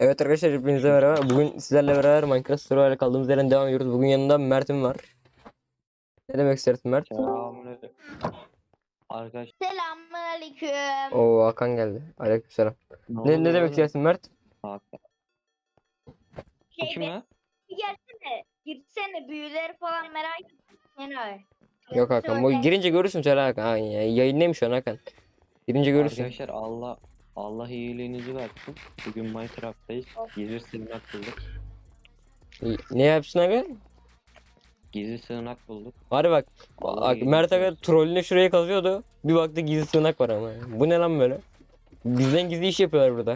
Evet arkadaşlar hepinize merhaba. Bugün sizlerle beraber Minecraft Survival'e kaldığımız yerden devam ediyoruz. Bugün yanında Mert'im var. Ne demek istersin Mert? Selamünaleyküm. Arkadaş Selamünaleyküm. Oo Hakan geldi. Aleykümselam. Ne oluyor demek oğlum? istersin Mert? Hakan. Bu Şey kim ya? bir gelsene. Girsene büyüleri falan merak ettim. Yani. Yok Hakan. Bu girince görürsün söyle Hakan. Ha, yayındayım şu an Hakan. Girince görürsün. Arkadaşlar Allah iyiliğinizi versin. Bugün Minecraft'tayız. Gizli sığınak bulduk. Ne yapsın Hakan? Gizli sığınak bulduk. Hadi bak. Allah Bak iyiliğinizi Mert Hakan versin. trollüne şuraya kazıyordu. Bir baktı gizli sığınak var ama. Bu ne lan böyle? Bizden gizli iş yapıyorlar burada.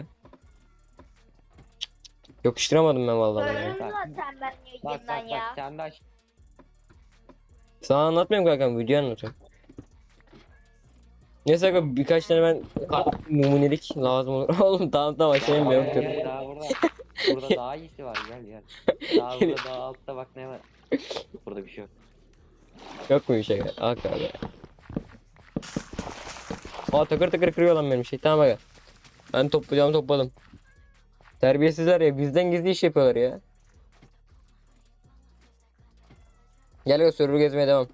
Yakıştıramadım ben vallahi. Gördün Bak. zaten ben Bak yayından bak ya. bak sen de aç. Sana anlatmıyorum kanka, video anlatıyorum. Neyse kanka birkaç tane ben numunelik lazım olur. Oğlum tamam aşağıya Gel, yok. gel, daha burada daha iyisi var, gel. Daha burada daha altta bak ne var. Burada bir şey yok. Yok mu bir şey? Hakan abi. Aa takır takır kırıyor lan benim şey. Tamam aga. Ben topladım. Terbiyesizler ya, bizden gizli iş yapıyorlar ya. Gel ya, server gezmeye devam.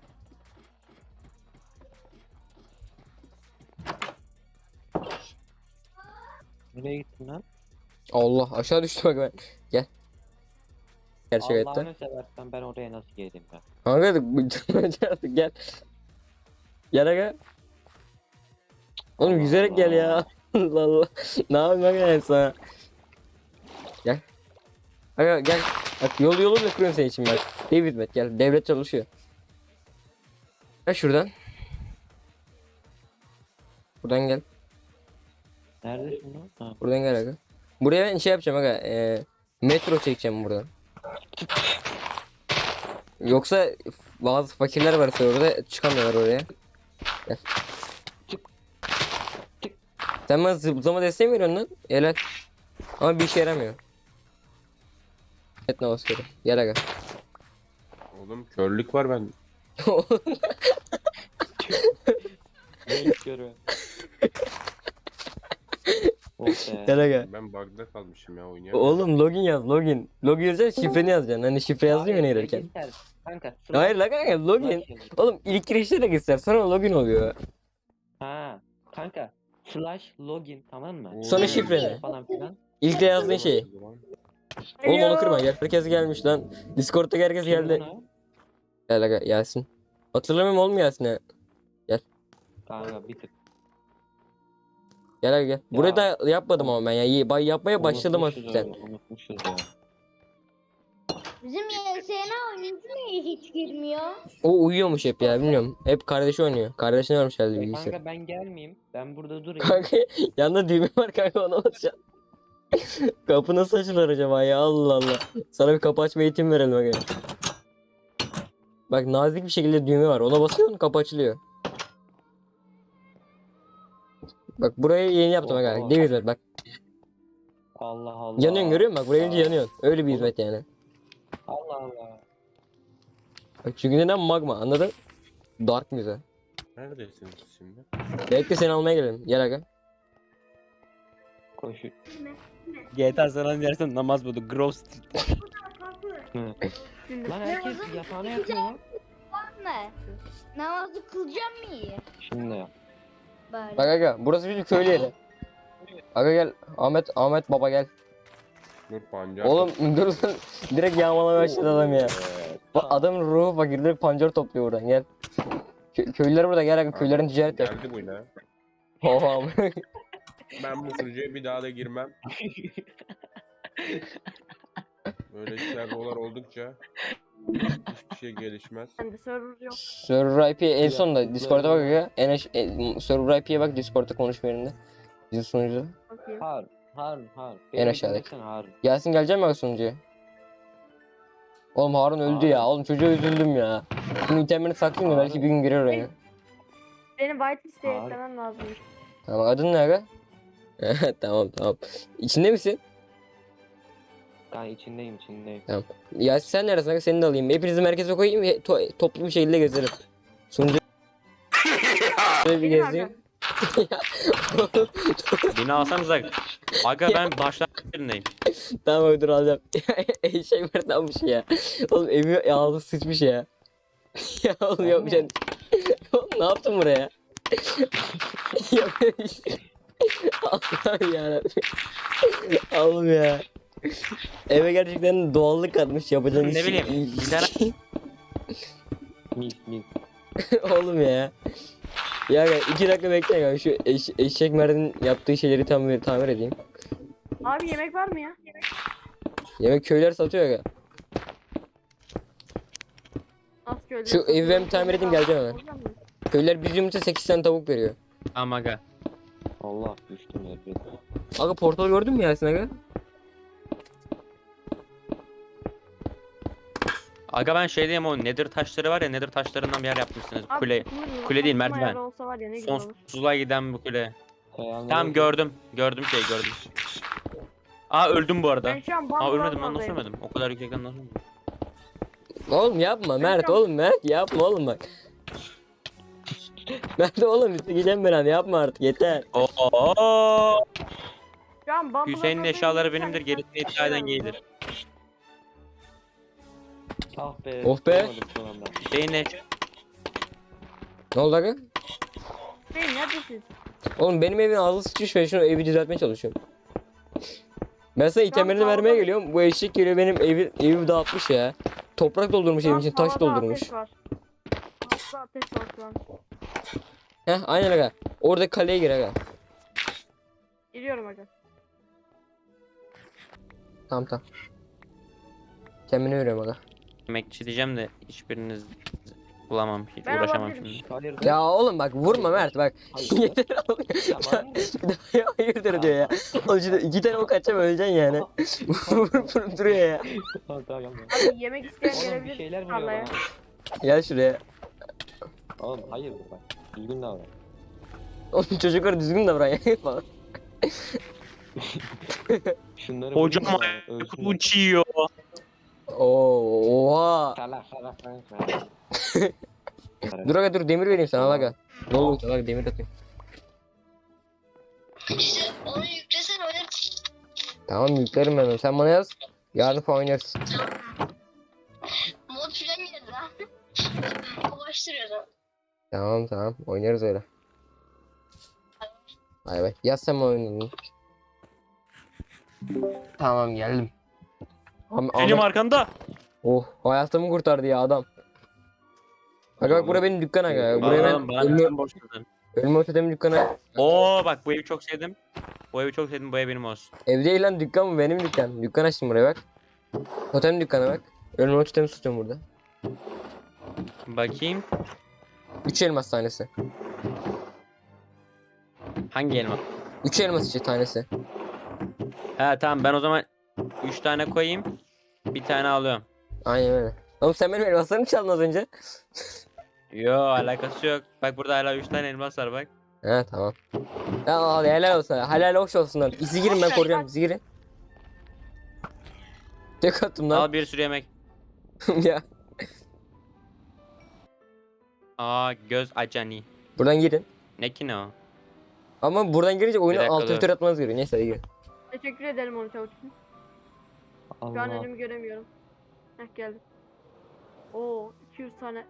Nereye gittin lan? Allah aşağı düştü bak ben. Gel. Gerçek hayatta. Allah'ını seversen ben oraya nasıl geleyim ben? Kanka artık gel. Gel aga. Oğlum Allah yüzerek gel ya. Allah. Allah Allah. Ne yapayım aga ben sana? Gel. Aga gel. Bak yolu bile kuruyorum senin için bak. David Met gel. Devlet çalışıyor. Gel şuradan. Buradan gel. Neredesin lan? Ha. Buradan gel aga. Buraya ben şey yapacağım aga. Metro çekeceğim buradan. Yoksa bazı fakirler var orada çıkamıyorlar oraya. Gel. Sen bana zıplama desteği mi veriyorsun lan? Helal. Ama bir işe yaramıyor. Etne askeri. Gel aga. Oğlum körlük var ben. Ne görüyorum? Oh be. Gel aga. Ben bug'da kalmışım ya oynayamıyorum. Oğlum login yaz login. Login yazacaksın, şifreni yazacaksın. Hani şifre yazıyor ya Hayır, girerken. register. Kanka Hayır la kanka login. yazıyor. Oğlum ilk girişte de göster sonra login oluyor. Ha kanka slash login, tamam mı? Sonra şifreni. Falan filan. İlk de yazdığın şey. Oğlum onu kırma. Herkes gelmiş lan. Discord'daki herkes Kim geldi. bunu? Gel aga Yasin. Hatırlamıyorum oğlum Yasin'e. Kanka bir tık. Gel aga gel. Burayı da yapmadım ama ben ya. Yapmaya başladım Unutmuşuz hafiften. onu, unutmuşuz ya. Bizim YSN oyuncu niye hiç girmiyor? O uyuyormuş hep ya, bilmiyorum. Hep kardeşi oynuyor. Kardeşine varmış herhalde bilgisayar. Kanka ben gelmeyeyim. Ben burada durayım. Kanka yanında düğme var kanka, ona basacaksın. Kapı nasıl açılır acaba ya, Allah Allah. Sana bir kapı açma eğitimi verelim aga. Bak nazik bir şekilde düğme var. Ona basıyorsun kapı açılıyor. Bak burayı yeni yaptım aga. Oha. Dev hizmet bak. Allah Allah. Yanıyorsun, görüyor musun? Bak buraya gelince yanıyorsun. Öyle bir hizmet yani. Allah Allah. Bak çünkü neden magma, anladın? Dark müze. Neredesiniz şimdi? Bekle seni almaya gelelim. Gel aga. Koşu. GTA San Andreas dersen namaz buldu. Grove Street. Lan herkes yatağına yatıyor lan. Ne? Namazı kılacağım mı iyi? Şimdi yap. Bari. Bak aga burası bizim köylü yeri. Aga gel. Ahmet baba gel. Dur pancar. Oğlum dur sen direkt yağmalamaya başladı adam ya. Bak adamın ruhu fakir, direkt pancar topluyor buradan, gel. Köylüler burada, gel aga, köylerin ticaret yap. Geldi bu ne? Oha. Ben bu sürücüye bir daha da girmem. Böyle serverlar oldukça hiçbir şey gelişmez. Bende server yok. Server IP en sonda Discord'a bak aga. Server IP'ye bak, Discord'da konuşma yerinde. Bizim sunucuda. Bakayım. Harun. En aşağıdaki. Dinlesene Harun. Yasin gelecek mi aga sunucuya? Oğlum Harun öldü ya. Oğlum çocuğa üzüldüm ya. Şimdi itemlerini saklayayım da belki bir gün girer oraya. Benim whitelist'e Abi. eklemem lazım. Tamam, adın ne aga? Tamam. İçinde misin? Ben içindeyim. Yasin sen neresin aga? Seni de alayım. Hepinizi merkeze koyayım. Toplu bir şekilde gezelim. Sunucu bir Benim gezeyim. Beni alsanız aga. Aga ben başta yerindeyim. Tamam abi dur alacağım. Eşek varmış ya. Oğlum evi ağzı sıçmış ya. Ya oğlum Ben yapacaksın. Oğlum ne yaptın buraya? Ya böyle bir şey- Allah'ım yarabbim. Oğlum ya. Eve gerçekten doğallık katmış yapacağın Ne iş- bileyim, bir tane- Milk. Oğlum ya. Ya 2 dakika bekle ya. Şu eşek Mert'in yaptığı şeyleri tamir edeyim. Abi yemek var mı ya? Yemek köyler satıyor ya. Nasıl köyde? Şu evi ben tamir edeyim, geleceğim hemen. Köyler bir yumurta 8 tane tavuk veriyor. Ama aga. Allah düştüm ya. Aga portal gördün mü Yasin aga? Aga ben şey diyeyim, o nether taşları var ya, nether taşlarından bir yer yapmışsınız. Abi, Kule. tutulur mu? kule değil, Tutulma merdiven. ayarı olsa var ya ne güzel olur. Sonsuzluğa giden bu kule. Tamam Tamam gördüm. Gördüm. Aa öldüm bu arada. Ben şu an Aa bambu ölmedim lan, nasıl oradayım. ölmedim? O kadar yüksekten nasıl ölmedim? Oğlum yapma Mert, oğlum Mert yapma oğlum bak. Mert oğlum gideceğim ben, yapma artık yeter. Oo! Şu an bambu Hüseyin'in oradayım. eşyaları Bir benimdir, tane gerisini taş iddia eden var. gaydir. Ah be. Oh be. Olmadım son anda. Hüseyin'in eşyaları... Ne oldu aga? Hüseyin neredesiniz? Oğlum benim evin ağzı sıçmış ve şunu evi düzeltmeye çalışıyorum. Ben sana itemlerini vermeye tavada- geliyorum. Bu eşek geliyor benim evimi dağıtmış ya. Toprak doldurmuş Şu evin an için, taş tavada doldurmuş. ateş var. Tavada ateş var şu an. Heh aynen aga. Orada kaleye gir aga. Giriyorum hocam. Tamam. Kendimi veriyorum aga. Yemekçi diyeceğim de hiçbiriniz bulamam. Hiç Ben uğraşamam alabilirim. şimdi. Hayır. Ya oğlum bak vurma Mert bak. Hayır. Yeter oğlum. Tamam. Bir daha ya hayırdır diyor ya. Oğlum şimdi 2 tane ok atacağım öleceksin yani. Vurup duruyor ya. Tamam. Abi yemek isteyen Oğlum bir gelebilir. şeyler vuruyor tarlaya. bana. Gel şuraya. Oğlum hayır bak. Düzgün davran. Oğlum çocuklar düzgün davran ya falan. Şunları Hocam vurayım da ölsünler. uçuyor. Oo, oha. Salak. Dur aga dur demir vereyim sana al aga. Ne oldu sana aga demir atayım. İşte onu yüklesen oynarız. Tamam yüklerim ben onu. Sen bana yaz. Yarın falan oynarız. Mod filan geldi ha. Ulaştırıyoruz. Tamam oynarız öyle. Bay bay. Yaz sen bana oyununu. Tamam geldim. Benim arkanda. Oh hayatımı kurtardı ya adam. Aga bak bura benim dükkan aga. Buraya ben Oğlum bana neden borçladın? ölme ötedemin dükkanı. Oo bak bu evi çok sevdim. Bu ev benim olsun. Ev değil lan dükkan mı? Benim dükkan. Dükkan açtım buraya bak. Totem dükkanı bak. Ölme totemi tutuyorum burada. Bakayım. 3 elmas tanesi. Hangi elma? 3 elmas işte tanesi. Ha tamam, ben o zaman 3 tane koyayım. Bir tane alıyorum. Aynen öyle. Oğlum sen benim elmaslarımı çaldın az önce. Yo alakası yok. Bak burada hala 3 tane elmas var bak. He tamam. Ya al helal olsun. Helal hoş olsun lan. İzi girin ben koruyacağım. İzi girin. Tek attım lan. Al bir sürü yemek. Ya. Aa göz acani. Buradan girin. Ne ki ne o? Ama buradan girince Bir oyuna dakika, alt dur. F4 atmanız gerekiyor. Neyse hadi girin. Teşekkür ederim onu çavuş için. Şu an Allah. önümü göremiyorum. Heh geldim. Oo 200 tane.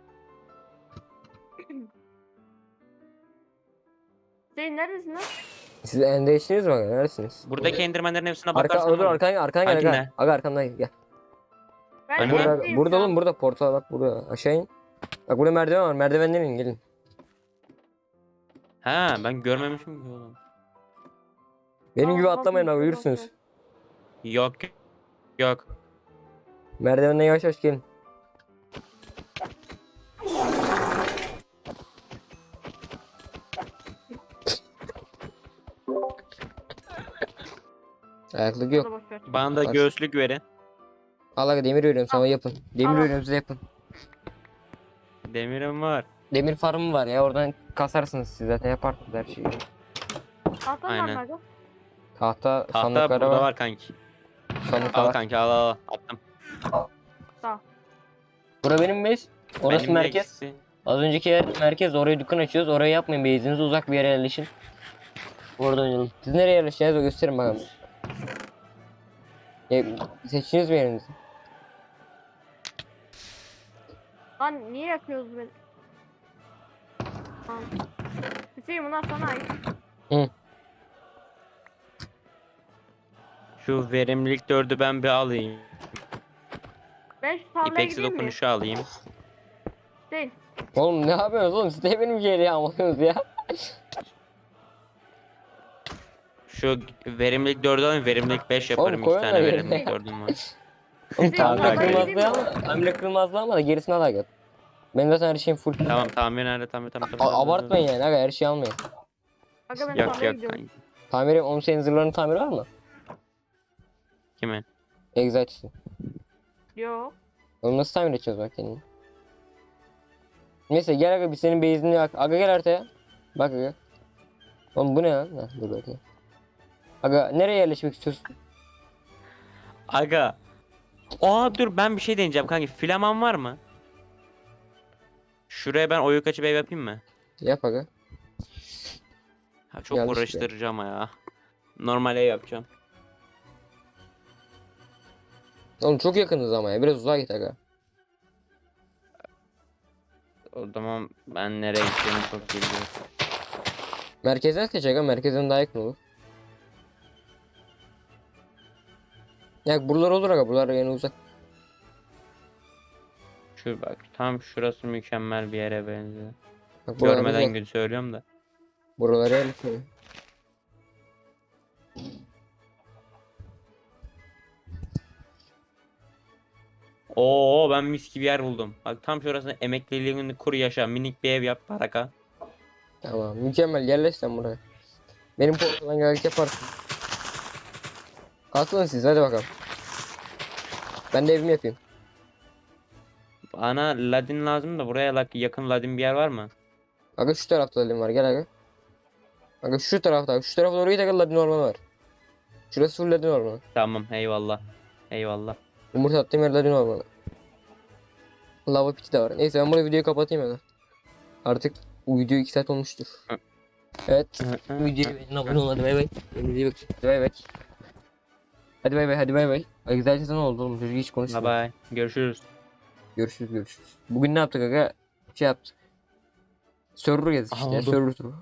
Hüseyin neredesin lan? Siz endeştiniz mi? Neredesiniz? Buradaki endirmenlerin hepsine Arka, bakarsan. dur arkana gel Hangi aga. ne? Aga arkamdan gel. Ben Hani Burada, neredeyim burada şu an? oğlum burada portal bak burada. Aşağı in. Bak burada merdiven var. Merdivenden inin gelin. Ha ben görmemişim ki oğlum. Benim Aa, gibi bak, atlamayın bak bak, uyursunuz. bak. Yok. Yok. Merdivenden yavaş yavaş gelin. Ayaklık yok. Boş ver. Bana da Bak. göğüslük verin. Al aga demir veriyorum sana yapın. Demir Al. veriyorum size yapın. Demirim var. Demir farmı var ya oradan kasarsınız siz zaten yaparsınız her şeyi. Tahtan var Aynen. mı aga? Tahta Tahta sandıkları burada var. var kanki. Sandıklar Al var. kanki al. Attım. Bura benim base. Orası Benim de merkez. eksi. Az önceki yer merkez. Oraya dükkan açıyoruz. Oraya yapmayın. Base'inize uzak bir yere yerleşin. Orada oynayalım. Siz nereye yerleşeceğinizi gösterin bakalım. Seçtiniz mi yerinizi? Lan niye yakıyoruz beni? Tamam. Hüseyin bunlar sana ait. Şu verimlilik 4'ü ben bir alayım. Ben şu tarlaya İpeksi gideyim mi? dokunuşu alayım. Hüseyin. Oğlum ne yapıyorsunuz oğlum? Siz de benim yeri almadınız ya. Şu verimlilik 4'ü alayım. Verimlilik 5 yaparım. koy 2 tane onları verimlilik yerine. 4'üm var. Oğlum Tamam, tamire ben kırmazlığı gideyim ama, tamire kırmazlığı ama da gerisini al gel. Benim zaten her şeyim full. Tamam tamir nerede? Tamam. Abartmayın yani aga, her şeyi almayın. Aga ben Yok tarlaya yok. gidiyorum. Tamiri, onun senin zırhların tamiri var mı? Kimin? Exite'sin. Yok. Oğlum nasıl tamir edeceğiz bak kendini? Neyse gel aga, biz senin base'ini yak. Aga gel haritaya. Bak aga. Oğlum bu ne lan? Heh, dur bakayım. Aga nereye yerleşmek istiyorsun? Aga. Aa dur ben bir şey deneyeceğim kanki. Flaman var mı? Şuraya ben oyuk açıp ev yapayım mı? Yap aga. Ha, çok Yanlış uğraştırıcı ama ya. Normal ev yapacağım. Oğlum çok yakınız ama ya, biraz uzağa git aga. O zaman ben nereye gideceğimi çok bilmiyorum. Merkezden seç aga, merkezden daha yakın olur. Ya buralar olur aga, buralar yani uzak. Şu bak tam şurası mükemmel bir yere benziyor. Bak buralar Görmeden uzak. gül söylüyorum da. Buralara yerleşiyor. Oo ben mis gibi yer buldum. Bak tam şurasında emekliliğini kur yaşa. Minik bir ev yap baraka. Tamam mükemmel, yerleş sen buraya. Benim portadan gelerek yaparsın. Asılın siz, hadi bakalım. Ben de evimi yapayım. Bana ladin lazım da buraya yakın ladin bir yer var mı? Aga şu tarafta ladin var, gel aga. Aga şu tarafta, şu tarafa doğru git aga, ladin ormanı var. Şurası full ladin ormanı. Tamam eyvallah. Eyvallah. Yumurta attığım yer ladin ormanı. Lava piti de var. Neyse ben burada videoyu kapatayım aga. Artık bu video 2 saat olmuştur. Evet. Videoyu beğenin, abone olun, hadi bay bay. Kendinize iyi bakın. Hadi bay bay. Hadi bay bay, hadi bay bay. Ay güzel ne oldu oğlum, çocuk hiç Bye konuşmuyor. bye. Görüşürüz. Görüşürüz. Bugün ne yaptık aga? Şey yaptık. Server gezdik işte, Anladım. server turu.